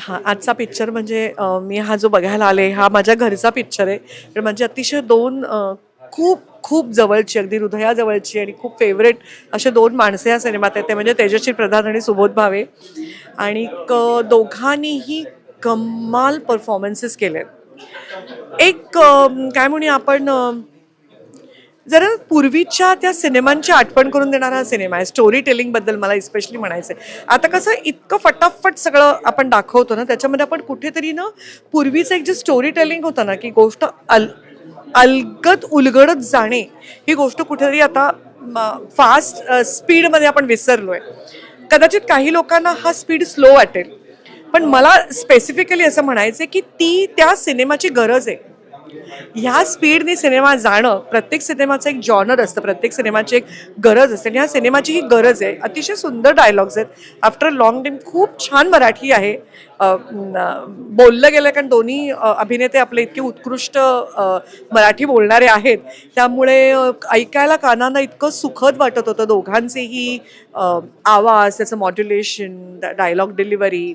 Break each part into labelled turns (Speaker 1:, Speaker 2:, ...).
Speaker 1: हां, आजचा पिक्चर म्हणजे मी हा जो बघायला आले हा माझ्या घरचा पिक्चर आहे. तर म्हणजे अतिशय 2 खूप खूप जवळची, अगदी हृदयाजवळची आणि खूप फेव्हरेट असे 2 माणसे या सिनेमात आहेत. ते म्हणजे तेजश्री प्रधान आणि सुबोध भावे. आणि दोघांनीही कमाल परफॉर्मन्सेस केलेत. एक काय म्हणूया आपण जरा पूर्वीच्या त्या सिनेमांची आठवण करून देणारा हा सिनेमा आहे. स्टोरी टेलिंगबद्दल मला स्पेशली म्हणायचं आहे. आता कसं इतकं फटाफट सगळं आपण दाखवतो ना, त्याच्यामध्ये आपण कुठेतरी ना पूर्वीचं एक जे स्टोरी टेलिंग होतं ना, की गोष्ट अलगद उलगडत जाणे, ही गोष्ट कुठेतरी आता फास्ट स्पीडमध्ये आपण विसरलोय. कदाचित काही लोकांना हा स्पीड स्लो वाटेल, पण मला स्पेसिफिकली असं म्हणायचं की ती त्या सिनेमाची गरज आहे. ह्या स्पीडने सिनेमा जाणं, प्रत्येक सिनेमाचं एक जॉनर असतं, प्रत्येक सिनेमाची एक गरज असते आणि ह्या सिनेमाची ही गरज आहे. अतिशय सुंदर डायलॉग्स आहेत. आफ्टर लॉंग टाईम खूप छान मराठी आहे. बोललं गेलं कारण दोन्ही अभिनेते आपले इतके उत्कृष्ट मराठी बोलणारे आहेत, त्यामुळे ऐकायला कानांना इतकं सुखद वाटत होतं. दोघांचेही आवाज, त्याचं मॉड्युलेशन, डायलॉग डिलिव्हरी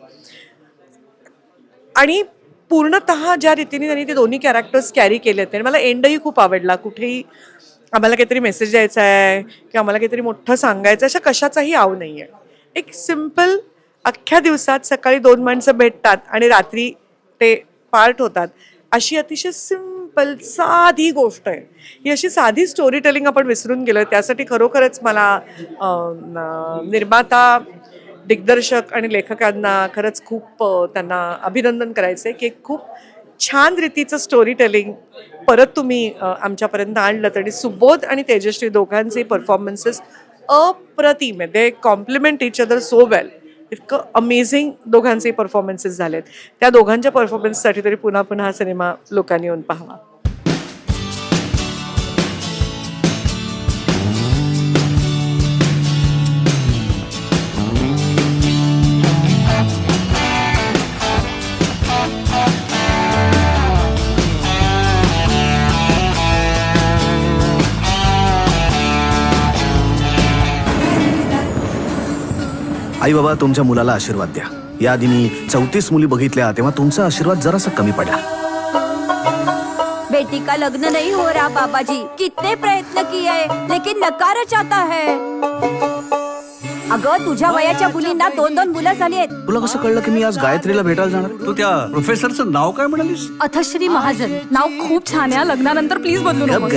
Speaker 1: आणि पूर्णतः ज्या रीतीने त्यांनी ते दोन्ही कॅरेक्टर्स कॅरी केले आहेत आणि मला एंडही खूप आवडला. कुठेही आम्हाला काहीतरी मेसेज द्यायचा आहे किंवा आम्हाला काहीतरी मोठं सांगायचं अशा कशाचाही आव नाही आहे. एक सिम्पल अख्ख्या दिवसात सकाळी 2 माणसं भेटतात आणि रात्री ते पार्ट होतात, अशी अतिशय सिम्पल साधी गोष्ट आहे. ही अशी साधी स्टोरी टेलिंग आपण विसरून गेलो. त्यासाठी खरोखरच मला निर्माता, दिग्दर्शक आणि लेखकांना खरंच खूप त्यांना अभिनंदन करायचं आहे की एक खूप छान रीतीचं स्टोरी टेलिंग परत तुम्ही आमच्यापर्यंत आणलं. आणि सुबोध आणि तेजश्री दोघांचे परफॉर्मन्सेस अप्रतिम आहे. They compliment each other so well. इतकं अमेझिंग दोघांचे परफॉर्मन्सेस झालेत. त्या दोघांच्या परफॉर्मन्ससाठी तरी पुन्हा पुन्हा हा सिनेमा लोकांनी येऊन पाहावा.
Speaker 2: आई बाबा, तुमच्या मुलाला आशीर्वाद द्या. याआधी मी 34 मुली बघितल्या, तेव्हा तुमचा आशीर्वाद जरासा कमी पडला.
Speaker 3: बेटी का लग्न नहीं हो रहा पापा जी. कितने प्रयत्न किए लेकिन नकारच आता है. अगं, तुझ्या वयाच्या मुलींना 2-2 मुलं झाली आहेत.
Speaker 2: तुला कसं कळलं की मी आज गायत्रीला भेटायला जाणार?
Speaker 4: तू त्या प्रोफेसरचं नाव काय म्हणालीस?
Speaker 3: अथश्री महाजन. नाव खूप छान आहे. लग्नानंतर प्लीज बदलू नको.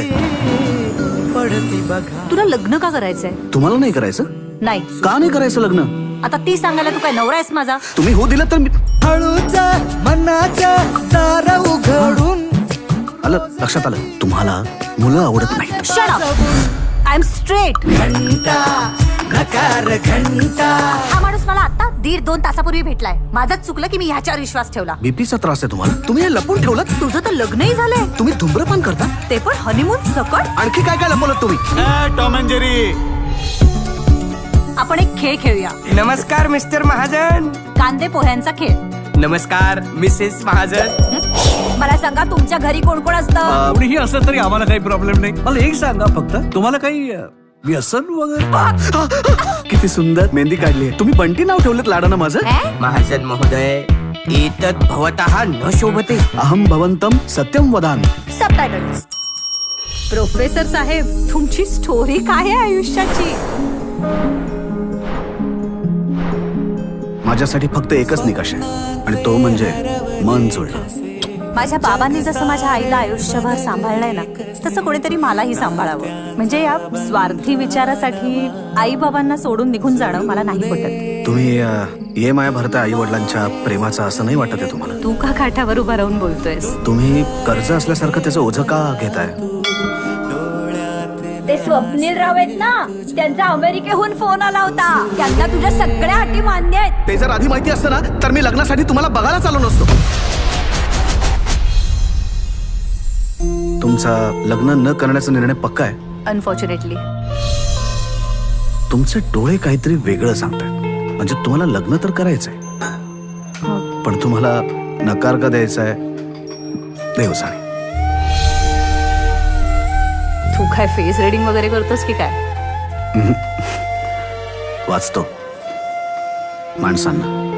Speaker 3: तुला लग्न का करायचंय?
Speaker 2: तुम्हाला नाही करायचं?
Speaker 3: नाही.
Speaker 2: का नाही करायचं लग्न?
Speaker 3: आता ती सांगायला तू काय नवरा आहेस माझा?
Speaker 2: तुम्ही हो दिलं तर मी
Speaker 5: हळूचा मनाचा दार उघडून.
Speaker 2: आलं लक्षात आलं. तुम्हाला मुलं आवडत नाही.
Speaker 3: Shut up. I am straight.
Speaker 5: घंटा नकार घंटा.
Speaker 3: हा माणूस मला आता 1.5-2 तासापूर्वी भेटलाय. माझंच चुकलं की मी ह्याच्यावर विश्वास ठेवला.
Speaker 2: बीपीचा त्रास आहे तुम्हाला? तुम्ही हे लपून ठेवलं?
Speaker 3: तुझं तर लग्नही झालंय.
Speaker 2: तुम्ही धूम्रपान करता?
Speaker 3: ते पण हनीमून सकट.
Speaker 2: आणखी काय काय लपवलं तुम्ही?
Speaker 4: Tom and Jerry.
Speaker 3: आपण एक खेळ खेळूया.
Speaker 6: नमस्कार मिस्टर महाजन.
Speaker 3: कांदे पोह्यांचा खेळ.
Speaker 6: नमस्कार मिसेस महाजन.
Speaker 3: मला सांगा, तुमच्या घरी कोण कोण असतं?
Speaker 4: कोणीही असलं तरी आम्हाला काही प्रॉब्लेम नाही. मला एक सांगा फक्त, तुम्हाला काही व्यसन वगैरे?
Speaker 2: किती सुंदर मेहंदी काढली. तुम्ही बंटी नाव ठेवलं लाडानं माझं?
Speaker 6: महाजन महोदय, एतत् भवतः न शोभते.
Speaker 2: अहम भवंतम सत्यम वदामि.
Speaker 3: सबटायटल्स. प्रोफेसर साहेब, तुमची स्टोरी काय आहे आयुष्याची?
Speaker 2: माझ्यासाठी फक्त एकच निकष आहे आणि तो म्हणजे मन जोडणं.
Speaker 3: माझ्या बाबांनी जसं माझ्या आईला आयुष्यभर सांभाळलंय ना, तसं कोणीतरी मलाही सांभाळावं. म्हणजे या स्वार्थी विचारासाठी आई बाबांना सोडून निघून जाणं मला नाही पटत.
Speaker 2: तुम्ही ये माया भरता आई वडिलांच्या प्रेमाचा असं नाही वाटत आहे तुम्हाला?
Speaker 3: तू का काठावर उभा राहून बोलतोयस?
Speaker 2: तुम्ही कर्ज असल्यासारखं त्याचं ओझं का घेताय?
Speaker 3: ते स्वप्नील राव आहेत ना, त्यांचा अमेरिकेहून फोन आला होता. त्यांना तुझ्या सगळ्या अटी मान्य आहेत.
Speaker 2: ते जर आधी माहिती असतं ना, तर मी लग्नासाठी तुम्हाला बघायला चालू नसतो. तुमचा लग्न न करण्याचा निर्णय पक्का आहे?
Speaker 3: अनफॉर्च्युनेटली.
Speaker 2: तुमचे डोळे काहीतरी वेगळं सांगतायत. म्हणजे तुम्हाला लग्न तर करायचंय, पण तुम्हाला नकार का द्यायचाय देव जाणे.
Speaker 3: तू काय फेस रिडिंग वगैरे करतोस की काय?
Speaker 2: वाचतो माणसांना.